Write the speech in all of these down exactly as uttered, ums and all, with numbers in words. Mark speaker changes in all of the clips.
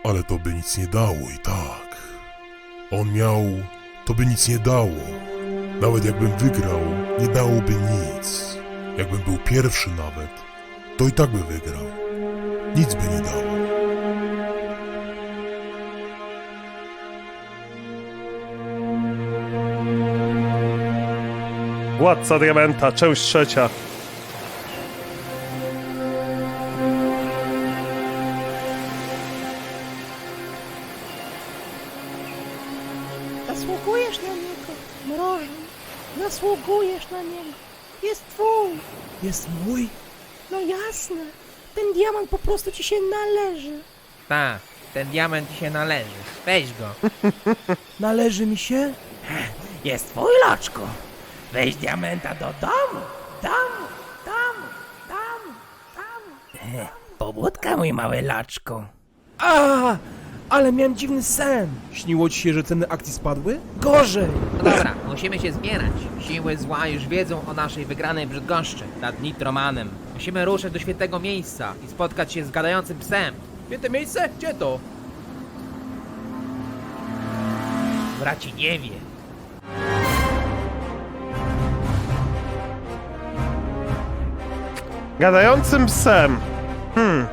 Speaker 1: Ale to by nic nie dało i tak. On miał... to by nic nie dało. Nawet jakbym wygrał, nie dałoby nic. Jakbym był pierwszy nawet, to i tak by wygrał. Nic by nie dało.
Speaker 2: Władca Diamenta, część trzecia.
Speaker 3: Zasługujesz na niego, mrożon. Zasługujesz na niego. Jest twój.
Speaker 4: Jest mój?
Speaker 3: No jasne. Ten diamant po prostu ci się należy.
Speaker 5: Tak, ten diament ci się należy. Weź go.
Speaker 4: Należy mi się?
Speaker 5: Jest twój, loczku. Weź diamenta do domu. Domu, domu, domu, domu. Pobudka, mój mały loczku.
Speaker 4: A, ale miałem dziwny sen. Śniło ci się, że ceny akcji spadły? Gorzej.
Speaker 5: No dobra, musimy się zbierać. Siły zła już wiedzą o naszej wygranej w Brzydgoszczy nad Nitromanem. Musimy ruszyć do świętego miejsca i spotkać się z gadającym psem.
Speaker 4: Święte miejsce? Gdzie to?
Speaker 5: Braci nie wie.
Speaker 2: Gadającym psem. Hmm.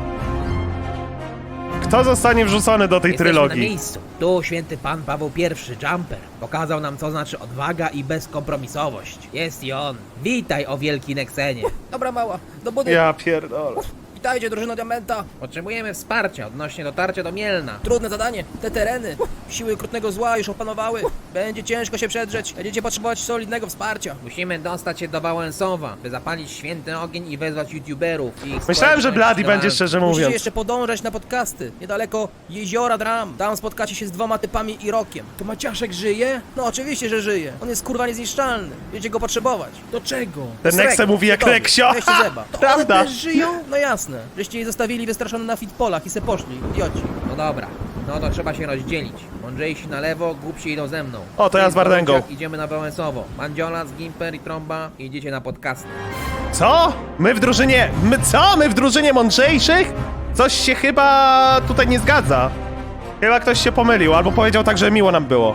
Speaker 2: Kto zostanie wrzucony do tej
Speaker 5: Jesteśmy na
Speaker 2: trylogii?
Speaker 5: miejscu. Tu święty pan Paweł pierwszy, Jumper, pokazał nam, co znaczy odwaga i bezkompromisowość. Jest i on. Witaj, o wielki Nexenie.
Speaker 4: Dobra mała, do budy.
Speaker 2: Ja pierdolę.
Speaker 4: Witajcie, drużyno Diamenta.
Speaker 5: Potrzebujemy wsparcia odnośnie dotarcia do Mielna.
Speaker 4: Trudne zadanie. Te tereny. Siły okrutnego zła już opanowały. Będzie ciężko się przedrzeć. Będziecie potrzebować solidnego wsparcia.
Speaker 5: Musimy dostać się do Wałęsowa, by zapalić święty ogień i wezwać youtuberów. i ich
Speaker 2: Myślałem, że
Speaker 5: społeczność
Speaker 2: Bloody
Speaker 5: do
Speaker 2: będzie,
Speaker 5: walki.
Speaker 2: szczerze
Speaker 4: Musicie
Speaker 2: mówiąc.
Speaker 4: jeszcze podążać na podcasty. Niedaleko Jeziora Dram. Tam spotkacie się z dwoma typami i Rokiem. To Maciaszek żyje? No oczywiście, że żyje. On jest kurwa niezniszczalny. Będziecie go potrzebować. Do czego?
Speaker 2: Ten Nexe mówi jak Reksio.
Speaker 4: Weźcie zeba. To
Speaker 2: Prawda.
Speaker 4: one też żyją? No jasne. Żeście je zostawili wystraszone na fitpolach i se poszli. Idioci.
Speaker 5: No dobra, no to trzeba się rozdzielić. Mądrzejsi na lewo, głupsi idą ze mną.
Speaker 2: O, to ja
Speaker 5: Ty
Speaker 2: z Wardęgą.
Speaker 5: Borusiak Idziemy na Wałęsowo. Mandziola, Gimper i Trąba idziecie na podcasty.
Speaker 2: Co? My w drużynie... My co? My w drużynie mądrzejszych? Coś się chyba tutaj nie zgadza. Chyba ktoś się pomylił, albo powiedział tak, że miło nam było.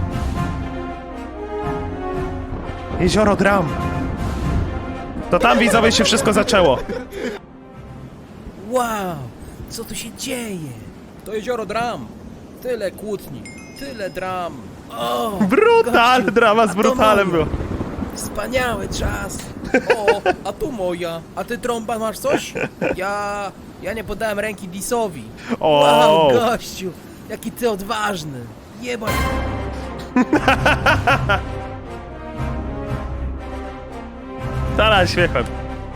Speaker 2: Jezioro Dram. To tam, widzowie, się wszystko zaczęło.
Speaker 4: Wow, co tu się dzieje? To Jezioro Dram. Tyle kłótni. Tyle dram. O,
Speaker 2: Brutal!
Speaker 4: gościu,
Speaker 2: Drama
Speaker 4: a
Speaker 2: z
Speaker 4: to
Speaker 2: brutalem
Speaker 4: moja.
Speaker 2: było.
Speaker 4: Wspaniały czas. O, a tu moja. A ty, Trąba, masz coś? Ja... Ja nie podałem ręki Disowi.
Speaker 2: O.
Speaker 4: Wow, gościu. Jaki ty odważny. Jebać.
Speaker 2: Tala śmiechem.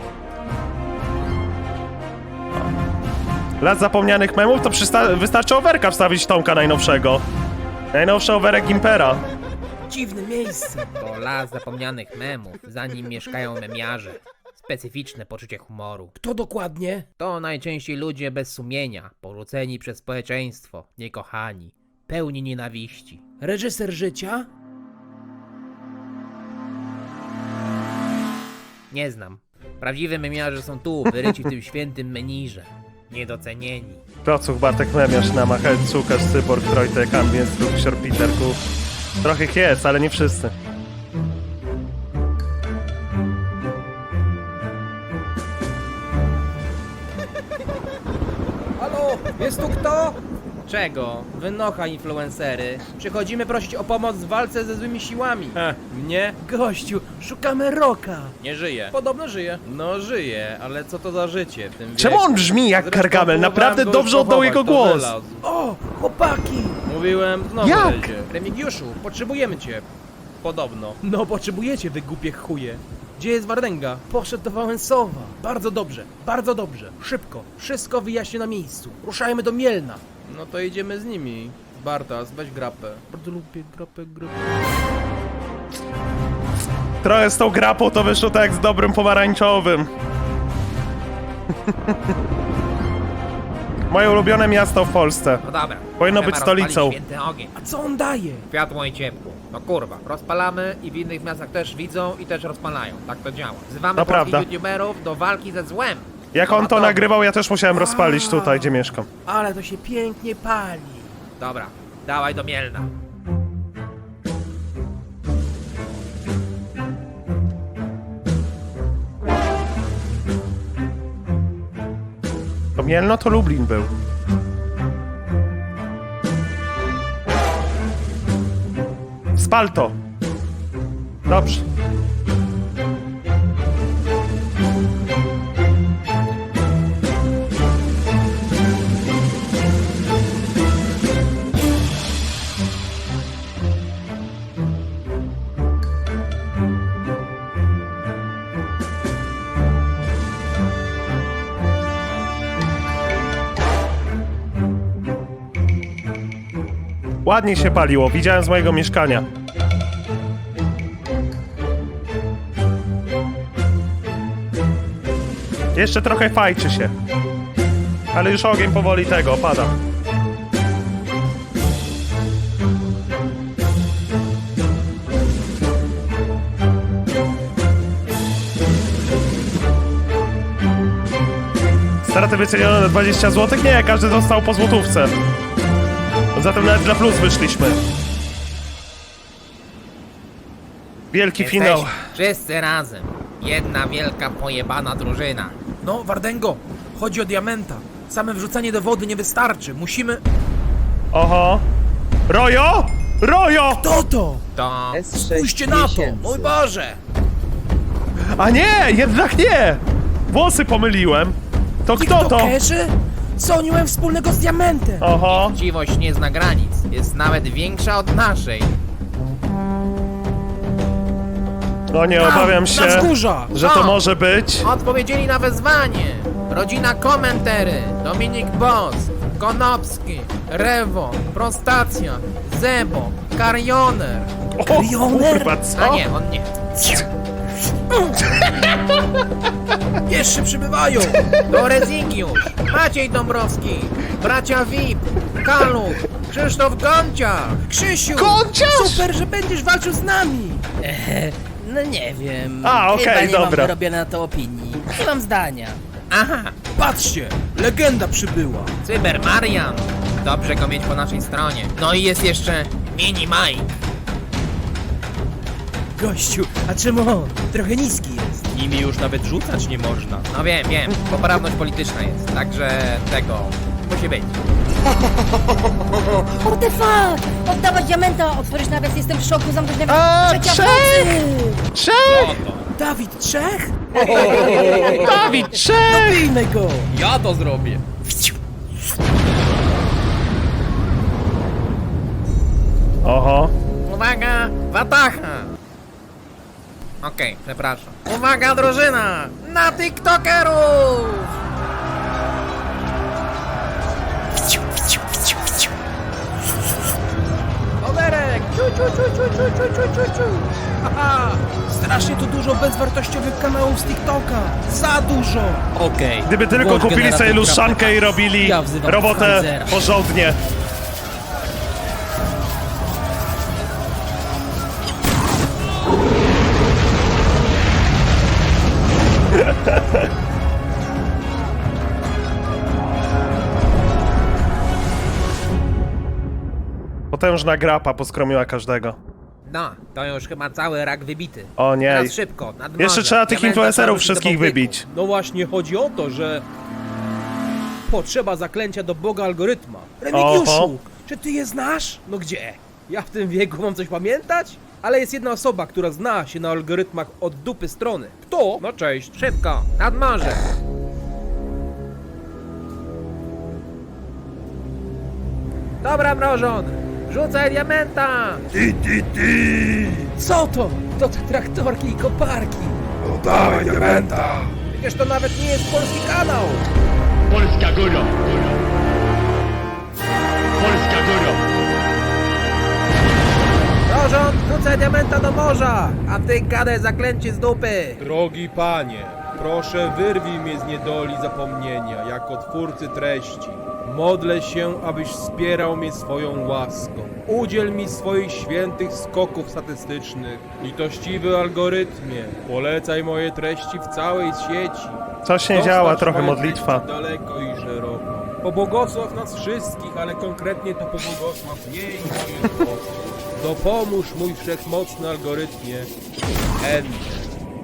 Speaker 2: Las zapomnianych memów to przysta- wystarczy overka wstawić Tomka najnowszego. Najnowszy overek Gimpera.
Speaker 4: Dziwne miejsce.
Speaker 5: To las zapomnianych memów, za nim mieszkają memiarze. Specyficzne poczucie humoru.
Speaker 4: Kto dokładnie?
Speaker 5: To najczęściej ludzie bez sumienia, porzuceni przez społeczeństwo, niekochani, pełni nienawiści.
Speaker 4: Reżyser życia?
Speaker 5: Nie znam. Prawdziwi memiarze są tu, wyryci w tym świętym menirze. Niedocenieni.
Speaker 2: Klocuch, Bartek Memiarz, Namachel, Cukasz, Cyborg, Trojtek, Ambient, Luksior, Peterku. Trochę ich jest, ale nie wszyscy.
Speaker 4: Halo, jest tu kto?
Speaker 5: Czego?
Speaker 4: Wynocha, influencery. Przychodzimy prosić o pomoc w walce ze złymi siłami. E, mnie? Gościu, szukamy Roka.
Speaker 6: Nie żyje.
Speaker 4: Podobno żyje.
Speaker 6: No żyje, ale co to za życie w tym
Speaker 2: Czemu
Speaker 6: wieku?
Speaker 2: on brzmi jak
Speaker 6: Zresztą
Speaker 2: Gargamel?
Speaker 6: próbowałem
Speaker 2: Naprawdę
Speaker 6: go
Speaker 2: dobrze
Speaker 6: już
Speaker 2: oddał jego
Speaker 6: pochować, to
Speaker 2: głos.
Speaker 6: wylazł.
Speaker 4: O, chłopaki!
Speaker 6: Mówiłem, znowu
Speaker 2: Jak?
Speaker 6: lezie.
Speaker 4: Remigiuszu, potrzebujemy cię.
Speaker 6: Podobno.
Speaker 4: No, potrzebujecie, wy głupie chuje. Gdzie jest Wardęga? Poszedł do Wałęsowa. Bardzo dobrze, bardzo dobrze. Szybko, wszystko wyjaśnię na miejscu. Ruszajmy do Mielna.
Speaker 6: No to idziemy z nimi. Bartas, weź grapę.
Speaker 4: Bardzo lubię grapę, grapę.
Speaker 2: Trochę z tą grapą to wyszło tak jak z dobrym pomarańczowym. Moje ulubione miasto w Polsce.
Speaker 5: No dobra.
Speaker 2: Powinno
Speaker 5: trzeba
Speaker 2: być stolicą.
Speaker 5: rozpalić święty ogień.
Speaker 4: A co on daje?
Speaker 5: Światło i ciepło. No kurwa, rozpalamy i w innych miastach też widzą i też rozpalają. Tak to działa. Wzywamy
Speaker 2: To
Speaker 5: polskich
Speaker 2: prawda.
Speaker 5: youtuberów do walki ze złem.
Speaker 2: Jak on to nagrywał, ja też musiałem rozpalić tutaj, gdzie mieszkam.
Speaker 4: Ale to się pięknie pali.
Speaker 5: Dobra, dawaj do Mielna.
Speaker 2: To Mielno to Lublin był. Spal to. Dobrze. Ładnie się paliło, widziałem z mojego mieszkania. Jeszcze trochę fajczy się. Ale już ogień powoli tego opada. Straty wycenione na dwadzieścia złotych? Nie, każdy dostał po złotówce. Zatem nawet dla plus wyszliśmy. Wielki finał.
Speaker 5: Jesteśmy wszyscy razem. Jedna wielka pojebana drużyna.
Speaker 4: No, Wardengo, chodzi o diamenta. Same wrzucanie do wody nie wystarczy. Musimy...
Speaker 2: Oho. Rojo! Rojo!
Speaker 4: To to!
Speaker 5: To...
Speaker 4: Spójrzcie na to! Mój Boże!
Speaker 2: A nie, jednak nie! Włosy pomyliłem. To kto to?
Speaker 4: TikTokerzy? Co oni mają wspólnego z diamentem?
Speaker 2: Oho.
Speaker 5: Chciwość nie zna granic. Jest nawet większa od naszej.
Speaker 2: No nie, obawiam się,
Speaker 4: Na wzgórza!
Speaker 2: że to
Speaker 5: O!
Speaker 2: może być.
Speaker 5: Odpowiedzieli na wezwanie. Rodzina Komentery, Dominik Boss, Konopski, Rewo, Prostacja, Zebo, Karioner.
Speaker 2: O,
Speaker 4: Karioner?
Speaker 2: kurwa,
Speaker 5: A
Speaker 2: co?
Speaker 5: nie, on nie.
Speaker 4: Jeszcze przybywają!
Speaker 5: To Rezygiusz, Maciej Dąbrowski, bracia V I P, Kaluch, Krzysztof Gonciarz.
Speaker 4: Krzysiu!
Speaker 2: Konciarz!
Speaker 4: Super, że będziesz walczył z nami!
Speaker 7: No nie wiem.
Speaker 2: A, okej,
Speaker 7: Chyba nie
Speaker 2: dobra.
Speaker 7: mam wyrobionej na to opinii. Nie mam zdania.
Speaker 5: Aha,
Speaker 4: Patrzcie! Legenda przybyła!
Speaker 5: Cyber Marian. Dobrze go mieć po naszej stronie. No i jest jeszcze Mini Mike.
Speaker 4: Gościu, a czemu on? Trochę niski jest.
Speaker 6: Nimi już nawet rzucać nie można.
Speaker 5: No wiem, wiem, poprawność polityczna jest, także tego musi być.
Speaker 3: What the fuck? Oddawać diamenta, otworzyć nawias, jestem w szoku, zamknąć nawias.
Speaker 2: A,
Speaker 3: Trzecia w
Speaker 2: Czech!
Speaker 3: nocy!
Speaker 2: Czech!
Speaker 4: Dawid Czech?
Speaker 2: Dawid, Czech!
Speaker 4: Bijmy go!
Speaker 6: Ja to zrobię.
Speaker 2: Oho.
Speaker 5: Uwaga, Watacha! Okej, przepraszam. Uwaga, drużyna! Na TikTokerów!
Speaker 4: Oberek! Ciu, ciu, ciu, ciu, ciu, ciu, ciu, ciu, ciu. Aha! Strasznie tu dużo bezwartościowych kanałów z TikToka! Za dużo!
Speaker 6: Okej.
Speaker 2: Gdyby tylko
Speaker 7: Włącz
Speaker 2: kupili sobie
Speaker 7: generator
Speaker 2: luszankę i robili
Speaker 7: Ja wzywam
Speaker 2: robotę
Speaker 7: Pfizera.
Speaker 2: porządnie. Potężna grapa poskromiła każdego.
Speaker 5: No, to już chyba cały rak wybity.
Speaker 2: O nie.
Speaker 5: Teraz szybko, nad morze.
Speaker 2: Jeszcze trzeba tych
Speaker 5: Diamenta
Speaker 2: influencerów
Speaker 5: wróci do
Speaker 2: wszystkich
Speaker 5: Bałtyku.
Speaker 2: wybić.
Speaker 6: No właśnie, chodzi o to, że... Potrzeba zaklęcia do Boga algorytma.
Speaker 4: Remigiuszu!
Speaker 2: Oho.
Speaker 4: Czy ty je znasz?
Speaker 6: No gdzie? Ja w tym wieku mam coś pamiętać? Ale jest jedna osoba, która zna się na algorytmach od dupy strony. Kto? No cześć.
Speaker 5: Szybko, nad morze. Dobra, mrożon! Rzucaj diamenta!
Speaker 4: Co to? To te traktorki i koparki!
Speaker 1: Dawaj diamenta!
Speaker 6: Przecież to nawet nie jest polski kanał.
Speaker 8: Polska góra! Polska góra!
Speaker 5: Mrożon, rzucaj diamenta do morza! A ty gadaj zaklęcie z dupy!
Speaker 6: Drogi panie, Proszę, wyrwij mnie z niedoli zapomnienia, jako twórcy treści. Modlę się, abyś wspierał mnie swoją łaską. Udziel mi swoich świętych skoków statystycznych. Litościwy algorytmie, polecaj moje treści w całej sieci.
Speaker 2: Coś nie
Speaker 6: Dostarcz
Speaker 2: działa, trochę
Speaker 6: moje
Speaker 2: modlitwa.
Speaker 6: treści daleko i szeroko. Pobłogosław nas wszystkich, ale konkretnie to pobłogosław mnie i moich osób. Dopomóż mój wszechmocny algorytmie. Enter.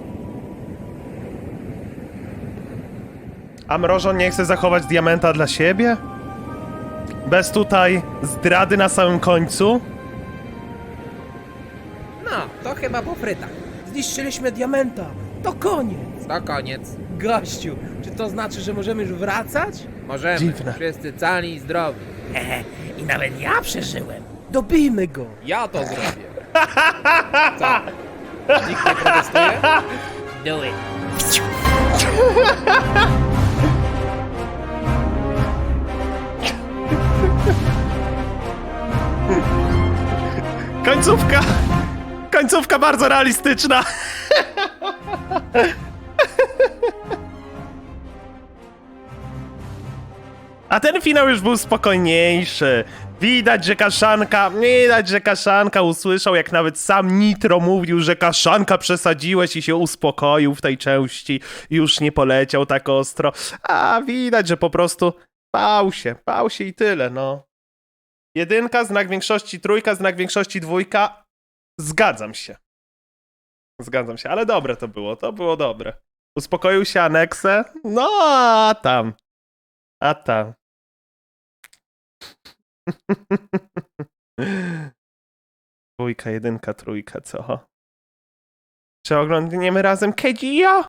Speaker 2: A Mrożon nie chce zachować diamenta dla siebie? Bez tutaj zdrady na samym końcu?
Speaker 4: No, to chyba po frytach. Zniszczyliśmy diamenta. To koniec.
Speaker 6: To koniec.
Speaker 4: Gościu, czy to znaczy, że możemy już wracać?
Speaker 6: Możemy.
Speaker 2: Dziwne.
Speaker 6: Wszyscy cali i zdrowi.
Speaker 5: Hehe, i nawet ja przeżyłem.
Speaker 4: Dobijmy go.
Speaker 6: Ja to zrobię. Co? Nikt nie protestuje?
Speaker 5: Do it.
Speaker 2: Końcówka! Końcówka bardzo realistyczna! A ten finał już był spokojniejszy. Widać, że Kaszanka, widać, że Kaszanka usłyszał, jak nawet sam Nitro mówił, że Kaszanka przesadziłeś i się uspokoił w tej części. Już nie poleciał tak ostro. A widać, że po prostu bał się, bał się i tyle, no. Jedynka, znak większości trójka, znak większości dwójka. Zgadzam się. Zgadzam się, ale dobre to było, to było dobre. Uspokoił się Aneksę? No, a tam. A tam. Dwójka, jedynka, trójka, co? Czy oglądniemy razem Kejio?